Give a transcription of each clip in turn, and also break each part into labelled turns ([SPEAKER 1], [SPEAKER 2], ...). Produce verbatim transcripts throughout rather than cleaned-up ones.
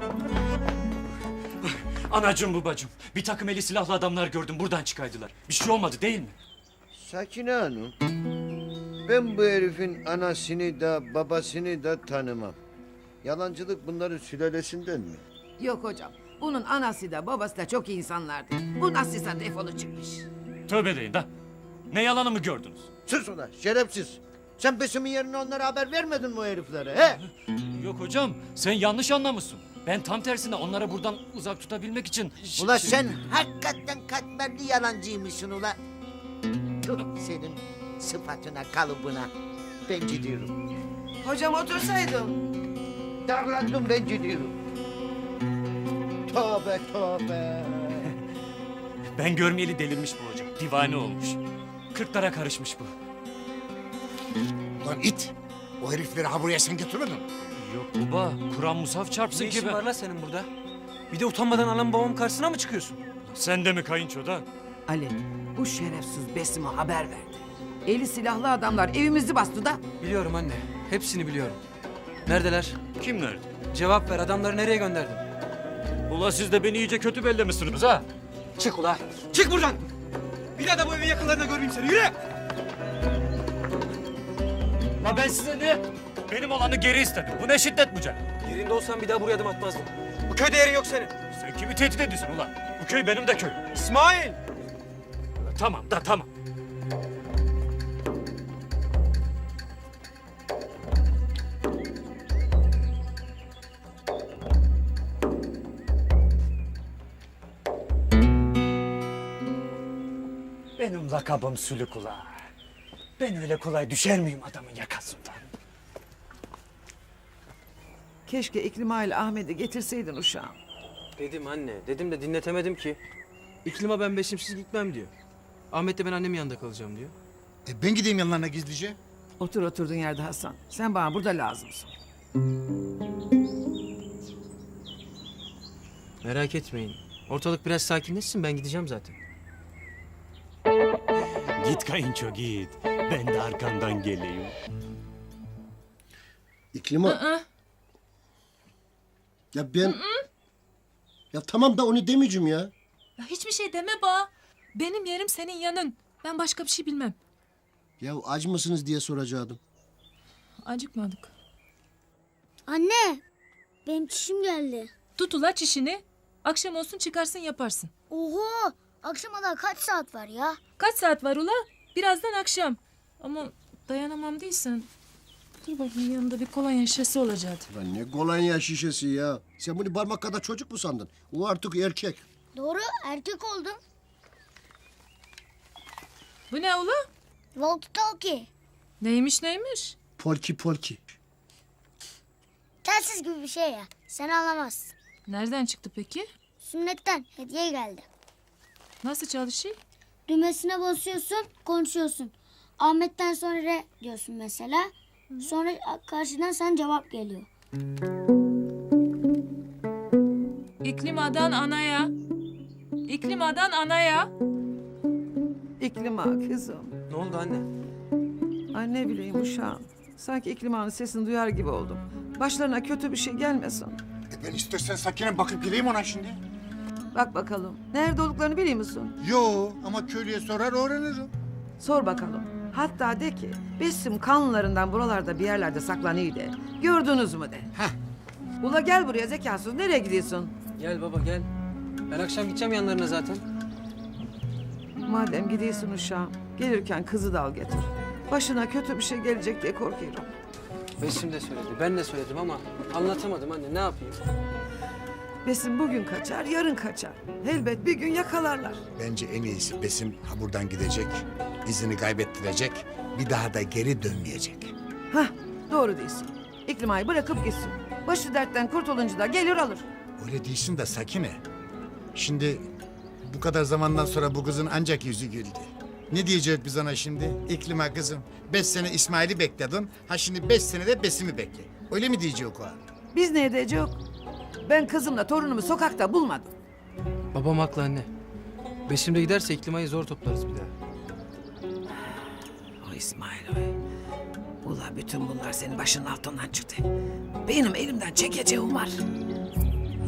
[SPEAKER 1] Anacığım babacığım, bir takım eli silahlı adamlar gördüm, buradan çıkaydılar. Bir şey olmadı değil mi?
[SPEAKER 2] Sakine Hanım, ben bu herifin anasını da babasını da tanımam. Yalancılık bunların sülalesinden mi?
[SPEAKER 3] Yok hocam. Bunun anası da babası da çok iyi insanlardı. Bu nasılsa defolu çıkmış.
[SPEAKER 1] Tövbe deyin da. Ne yalanı mı gördünüz?
[SPEAKER 2] Sus ulan şerefsiz. Sen Besim'in yerine onlara haber vermedin mi o heriflere he?
[SPEAKER 1] Yok hocam, sen yanlış anlamışsın. Ben tam tersine onlara buradan uzak tutabilmek için...
[SPEAKER 2] Ula sen hakikaten katmerli yalancıymışsın ula. Tüh senin sıfatına kalıbına. Ben gidiyorum.
[SPEAKER 3] Hocam otursaydım.
[SPEAKER 2] Darlandım ben gidiyorum. Tövbe tövbe.
[SPEAKER 1] Ben görmeyeli delirmiş bu hocam, divane olmuş. Kırklara karışmış bu.
[SPEAKER 4] Lan it! O herifleri ha buraya sen getirmedin.
[SPEAKER 1] Yok baba, Kur'an musaf çarpsın
[SPEAKER 5] Ne
[SPEAKER 1] ki
[SPEAKER 5] işin
[SPEAKER 1] ben...
[SPEAKER 5] var lan senin burada? Bir de utanmadan anam babam karşısına mı çıkıyorsun?
[SPEAKER 1] Sen de mi kayınço da?
[SPEAKER 3] Ali, bu şerefsiz Besim'e haber verdi. Eli silahlı adamlar evimizi bastı da.
[SPEAKER 5] Biliyorum anne. Hepsini biliyorum. Neredeler?
[SPEAKER 1] Kim nerede?
[SPEAKER 5] Cevap ver. Adamları nereye gönderdin?
[SPEAKER 1] Ula siz de beni iyice kötü bellemişsiniz ha?
[SPEAKER 5] Çık ula. Çık buradan. Bir daha da bu evin yakınlarında görmeyeyim seni. Yürü.
[SPEAKER 1] La ben size ne? Benim olanı geri istedim. Bu ne şiddet bu canım?
[SPEAKER 5] Yerinde olsan bir daha buraya adım atmazdın. Bu köyde yerin yok senin.
[SPEAKER 1] Sen kimi tehdit ediyorsun ulan? Bu köy benim de köyüm.
[SPEAKER 5] İsmail.
[SPEAKER 1] Tamam da tamam. Benim lakabım Sülük ula. Ben öyle kolay düşer miyim adamın yakasından?
[SPEAKER 3] Keşke İklima ile Ahmet'i getirseydin uşağım.
[SPEAKER 5] Dedim anne. Dedim de dinletemedim ki. İklima ben beşimsiz gitmem diyor. Ahmet de ben annemin yanında kalacağım diyor.
[SPEAKER 4] E ben gideyim yanlarına gizlice.
[SPEAKER 3] Otur oturduğun yerde Hasan. Sen bana burada lazımsın.
[SPEAKER 5] Merak etmeyin. Ortalık biraz sakinleşsin, ben gideceğim zaten.
[SPEAKER 1] Git kayınço git. Ben de arkandan geleyim.
[SPEAKER 6] İklima. Ya ben... Ya tamam da onu demeyeceğim ya.
[SPEAKER 7] Ya hiçbir şey deme ba. Benim yerim senin yanın. Ben başka bir şey bilmem.
[SPEAKER 6] Ya aç mısınız diye soracaktım.
[SPEAKER 7] Acıkmadık.
[SPEAKER 8] Anne, benim çişim geldi.
[SPEAKER 7] Tut ula çişini. Akşam olsun çıkarsın yaparsın.
[SPEAKER 8] Oho, akşama daha kaç saat var ya?
[SPEAKER 7] Kaç saat var ula? Birazdan akşam. Ama dayanamam değilsen. Dur bakayım yanında bir kolonya şişesi olacaktı.
[SPEAKER 6] Lan ne kolonya şişesi ya. Sen bunu parmak kadar çocuk mu sandın? O artık erkek.
[SPEAKER 8] Doğru, erkek oldum.
[SPEAKER 7] Bu ne ula?
[SPEAKER 8] Walkie talkie.
[SPEAKER 7] Neymiş neymiş?
[SPEAKER 6] Polki polki.
[SPEAKER 8] Telsiz gibi bir şey ya. Sen anlamazsın.
[SPEAKER 7] Nereden çıktı peki?
[SPEAKER 8] Sünnetten hediye geldi.
[SPEAKER 7] Nasıl çalışıyor?
[SPEAKER 8] Düğmesine basıyorsun, konuşuyorsun. Ahmet'ten sonra re diyorsun mesela. Sonra karşıdan sana cevap geliyor.
[SPEAKER 7] İklimadan anaya. İklimadan anaya.
[SPEAKER 3] İklima kızım.
[SPEAKER 5] Ne oldu anne?
[SPEAKER 3] Ay ne bileyim uşağım. Sanki İklima'nın sesini duyar gibi oldum. Başlarına kötü bir şey gelmesin.
[SPEAKER 4] E ben istersen Sakine bakıp geleyim ona şimdi.
[SPEAKER 3] Bak bakalım. Nerede olduklarını biliyor musun?
[SPEAKER 4] Yo ama köylüye sorar öğrenirim.
[SPEAKER 3] Sor bakalım. Hatta de ki Besim kanlarından buralarda bir yerlerde saklanıyor de. Gördünüz mü de.
[SPEAKER 4] Heh.
[SPEAKER 3] Ula gel buraya zekasız. Nereye gidiyorsun?
[SPEAKER 5] Gel baba gel. Ben akşam gideceğim yanlarına zaten.
[SPEAKER 3] Madem gidiyorsun uşağım. Gelirken kızı da al getir. Başına kötü bir şey gelecek diye korkuyorum.
[SPEAKER 5] Besim de söyledi, ben de söyledim ama anlatamadım anne, ne yapayım?
[SPEAKER 3] Besim bugün kaçar, yarın kaçar. Elbet bir gün yakalarlar.
[SPEAKER 4] Bence en iyisi Besim ha buradan gidecek, izini kaybettirecek, bir daha da geri dönmeyecek.
[SPEAKER 3] Hah, doğru değilsin. İklimayı bırakıp gitsin. Başı dertten kurtulunca da gelir alır.
[SPEAKER 4] Öyle değilsin de Sakine. Şimdi bu kadar zamandan sonra bu kızın ancak yüzü güldü. Ne diyecek biz ona şimdi? İklima kızım, beş sene İsmail'i bekledin, ha şimdi beş sene de Besim'i bekle. Öyle mi diyecek o?
[SPEAKER 3] Biz ne edeceğiz? Ben kızımla torunumu sokakta bulmadım.
[SPEAKER 5] Babam haklı anne. Besim de giderse İklima'yı zor toplarız bir daha.
[SPEAKER 3] O İsmail oy. Ula bütün bunlar senin başının altından çıktı. Benim elimden çekeceğim var.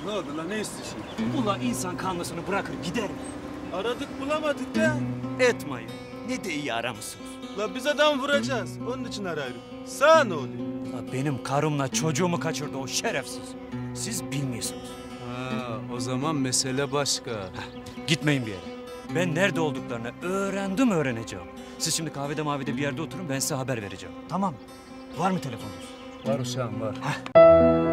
[SPEAKER 9] Ne oldu lan, ne istiyorsun?
[SPEAKER 1] Ula insan kanlısını bırakır gider mi?
[SPEAKER 9] Aradık bulamadık da.
[SPEAKER 1] Etmeyin. Ne de iyi aramışsınız.
[SPEAKER 9] La biz adam vuracağız. Onun için arıyorum. Sağ ne oluyor?
[SPEAKER 1] La benim karımla çocuğumu kaçırdı o şerefsiz. Siz bilmiyorsunuz.
[SPEAKER 9] Ha, o zaman mesele başka.
[SPEAKER 1] Gitmeyin bir yere. Ben nerede olduklarını öğrendim öğreneceğim. Siz şimdi kahvede mavide bir yerde oturun ben size haber vereceğim. Tamam mı? Var mı telefonunuz?
[SPEAKER 9] Var uşağım var.